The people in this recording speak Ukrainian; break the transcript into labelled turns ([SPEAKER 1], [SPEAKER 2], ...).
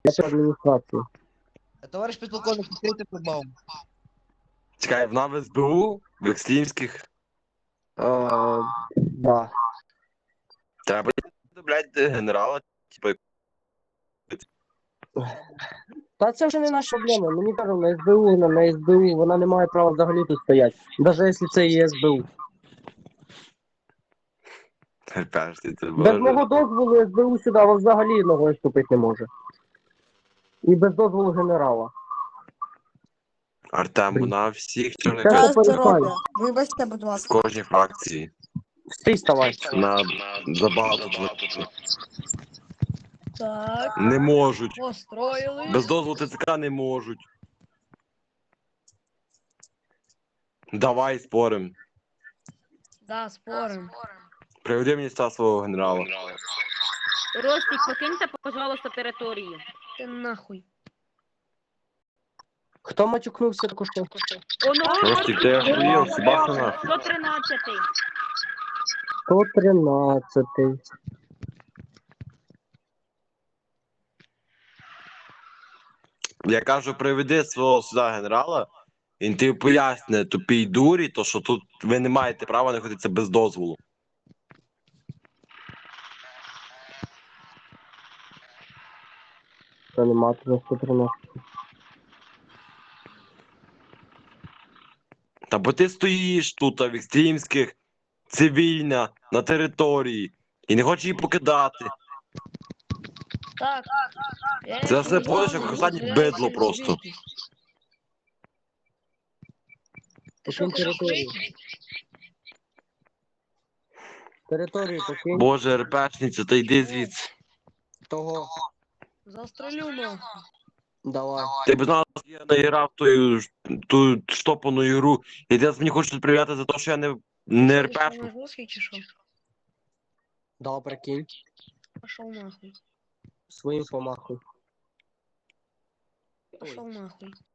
[SPEAKER 1] Я адміністрацію.
[SPEAKER 2] Товариш підполковник, відкрийте шлагбаум.
[SPEAKER 3] Чекай, вона в СБУ, в Екстрімських.
[SPEAKER 1] Да.
[SPEAKER 3] Треба, блядь, генерала, типу,
[SPEAKER 1] Та це вже не наша проблема. Мені кажуть, на СБУ, на СБУ, вона не має права взагалі тут стояти. Навіть якщо це і СБУ.
[SPEAKER 3] терпешся, це
[SPEAKER 1] Без мого
[SPEAKER 3] боже.
[SPEAKER 1] дозволу СБУ сюди взагалі ногою вступити не може. І без дозволу генерала.
[SPEAKER 3] Артем, вона всіх чорних
[SPEAKER 1] Це
[SPEAKER 3] карток
[SPEAKER 1] все
[SPEAKER 4] Здоров'я. Вибачте, будь
[SPEAKER 3] в
[SPEAKER 4] ласка.
[SPEAKER 3] кожній фракції.
[SPEAKER 1] Стій, ставай.
[SPEAKER 3] На забагато
[SPEAKER 4] Так,
[SPEAKER 3] не можуть.
[SPEAKER 4] построїли.
[SPEAKER 3] Без дозволу ТЦК не можуть. Давай спорим.
[SPEAKER 4] Да, спорим.
[SPEAKER 3] Приведи мені сюди свого генерала.
[SPEAKER 5] Ростик, покиньте, пожалуйста, територію.
[SPEAKER 4] Ти нахуй.
[SPEAKER 1] Хто матюкнувся таку що?
[SPEAKER 5] Оно,
[SPEAKER 3] Ростик, ти охуєв, Себастьяна?
[SPEAKER 5] 113.
[SPEAKER 1] 113.
[SPEAKER 3] Я кажу, приведи свого сюди генерала, він тобі поясне тупій дурі, то що тут ви не маєте права знаходитися без дозволу.
[SPEAKER 1] Це нема тут 113.
[SPEAKER 3] Та бо ти стоїш тут, в Екстрімських, цивільна, на території, і не хочеш її покидати.
[SPEAKER 4] Так.
[SPEAKER 3] Це все подиш, як останнє бидло просто.
[SPEAKER 4] Ти що, хочеш
[SPEAKER 1] Територію.
[SPEAKER 4] вийти?
[SPEAKER 1] Територію покинь.
[SPEAKER 3] Боже, РПшниця, та йди звідси.
[SPEAKER 1] Того.
[SPEAKER 4] Застрелю нахуй.
[SPEAKER 1] Давай.
[SPEAKER 3] Ти б знала, що я наіграв ту штопану ігру, і ти мені хочеш тут прив'яти за те, що я не
[SPEAKER 4] Ти що,
[SPEAKER 3] РПшник.
[SPEAKER 4] на жорсткий чи що?
[SPEAKER 1] Да, прикинь.
[SPEAKER 4] Пошов нахуй.
[SPEAKER 1] Своїм помахуй.
[SPEAKER 4] Пошов нахуй.